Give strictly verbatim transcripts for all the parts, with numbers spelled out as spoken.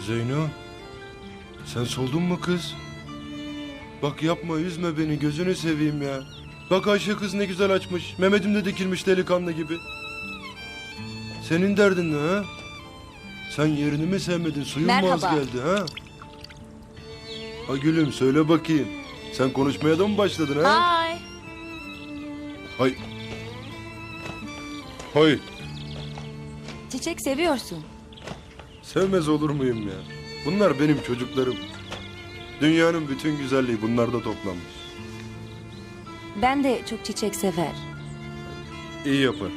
Zeyno, sen soldun mu kız? Bak yapma, üzme beni, gözünü seveyim ya. Bak Ayşe kız ne güzel açmış. Mehmet'im de dikilmiş delikanlı gibi. Senin derdin ne ha? Sen yerini mi sevmedin, suyun mu az Merhaba. geldi ha? Ha gülüm, söyle bakayım. Sen konuşmaya da mı başladın ha? Hay. Hay. Hay. Çiçek seviyorsun. Sevmez olur muyum ya? Bunlar benim çocuklarım. Dünyanın bütün güzelliği bunlarda toplanmış. Ben de çok çiçek sever. İyi yapar.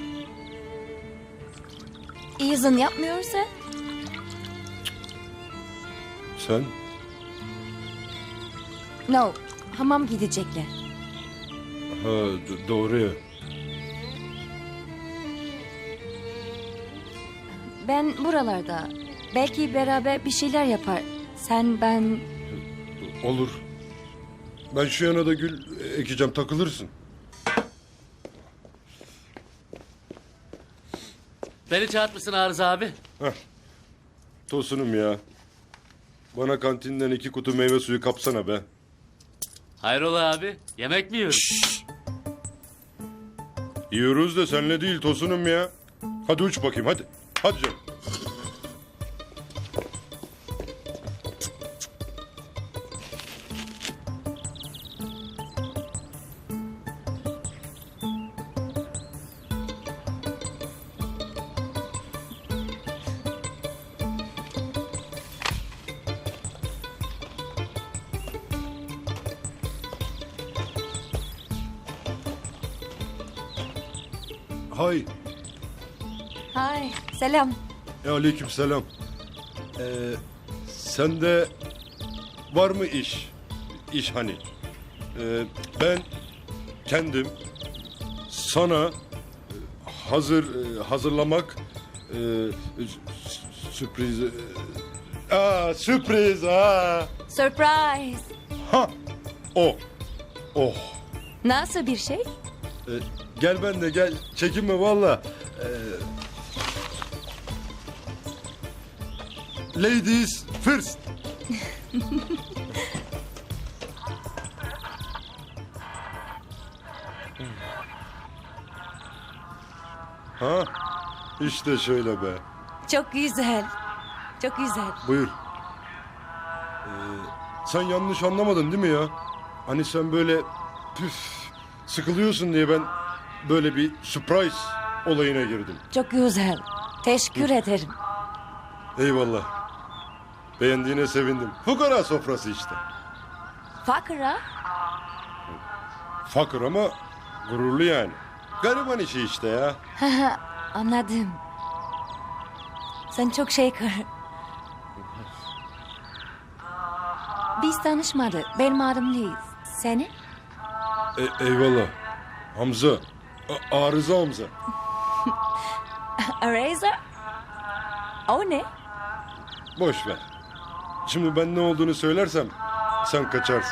İzin yapmıyorsa Sen? no. Hamam gidecekler. Ha d- doğru ya. Ben buralarda. Belki beraber bir şeyler yapar. Sen, ben... Olur. Ben şu yana da gül ekeceğim, takılırsın. Beni çağırtmışsın Arıza abi. Tosunum ya. Bana kantinden iki kutu meyve suyu kapsana be. Hayrola abi? Yemek mi yiyoruz? Yiyoruz da senle değil Tosunum ya. Hadi uç bakayım hadi. Hadi canım. Hay. Hay. Selam. E, aleyküm selam. Ee, sende var mı iş? İş hani. Ee, ben kendim sana e, hazır e, hazırlamak e, sü- sürpriz e, aa, sürpriz ha Surprise. ha o oh Nasıl bir şey? Ee, gel ben de gel, çekinme valla. Ee, ladies first. Ha işte şöyle be. Çok güzel. Çok güzel. Buyur. Ee, sen yanlış anlamadın değil mi ya? Hani sen böyle püf sıkılıyorsun diye ben böyle bir surprise olayına girdim. Çok güzel. Teşekkür ederim. Eyvallah. Beğendiğine sevindim. Fukara sofrası işte. Fakra. Fakir ama gururlu yani. Gariban işi işte ya. Anladım. Sen çok şeker. Biz tanışmadık. Benim adım Liz. Senin? E- eyvallah. Hamza. A- arıza Hamza. Eraser? O ne? Boş ver. Şimdi ben ne olduğunu söylersem sen kaçarsın.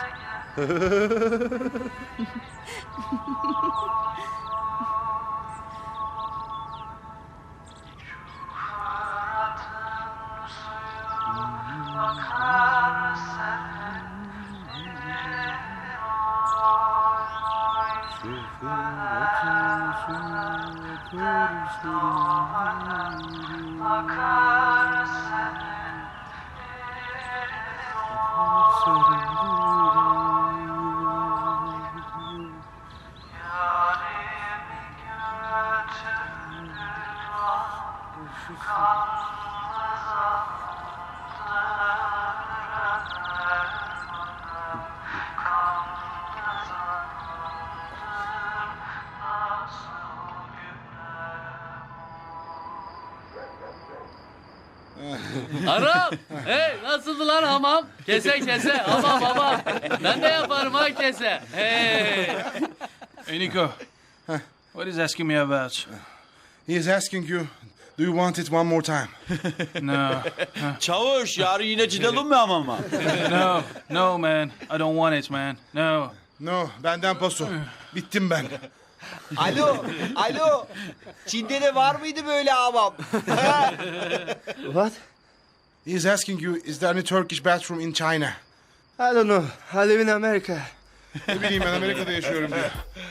Aram! Hey nasıldı lan hamam? Kese kese hamam hamam. Ben de yaparım ha kese. Hey! Hey, Nico. What is asking me about? He is asking you, do you want it one more time? No, Çavuş yarın yine gidelim mi hamama? no, no, man. I don't want it, man. No. No, benden paso. Bittim ben. Alo, alo. Çin'de de var mıydı böyle hamam? What? He's asking you, is there any Turkish bathroom in China? I don't know. I live in America. Ne bileyim ben Amerika'da yaşıyorum diyor.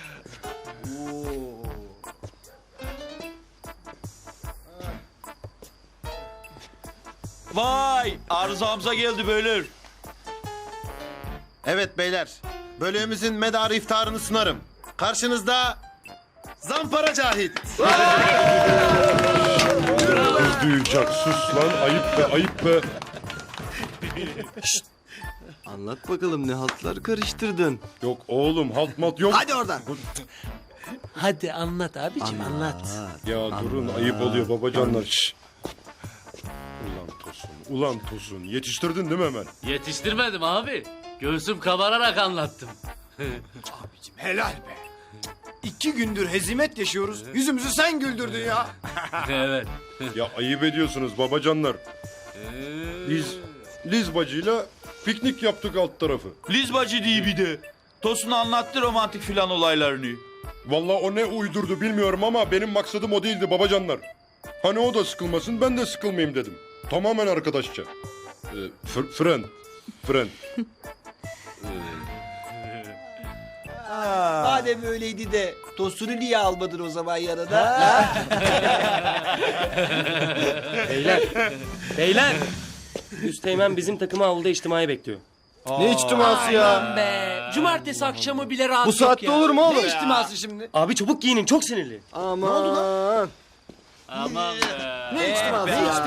Vay arızamıza geldi beyler. Evet beyler, bölüğümüzün medarı iftarını sunarım. Karşınızda Zampara Cahit. Kız duyacak. Sus lan. Ayıp be ayıp be. Anlat bakalım ne haltlar karıştırdın. Yok oğlum halt mat yok. Hadi oradan. Hadi anlat abicim anlat. Ya durun ayıp oluyor babacanlar. Şş. Ulan Tosun, ulan Tosun. Yetiştirdin değil mi hemen? Yetiştirmedim abi. Göğsüm kabararak anlattım. Helal be. İki gündür hezimet yaşıyoruz. Yüzümüzü sen güldürdün ya. Evet. Ya ayıp ediyorsunuz babacanlar. Liz, Liz bacıyla piknik yaptık alt tarafı. Liz bacı diye bir de. Tosun anlattı romantik filan olaylarını. Vallahi o ne uydurdu bilmiyorum ama benim maksadım o değildi babacanlar. Hani o da sıkılmasın ben de sıkılmayayım dedim. Tamamen arkadaşça. Ee, fr- friend. Friend. Madem öyleydi de Tosun'u niye almadın o zaman yanına? Beyler, beyler. Üsteğmen bizim takımı avluda içtimai bekliyor. Ne içtiması ya? Be, cumartesi akşamı bile rahat Bu saatte olur mu oğlum? Ne içtiması şimdi? Abi çabuk giyinin, çok sinirli. Aman. Aman be. Ne içtiması ya?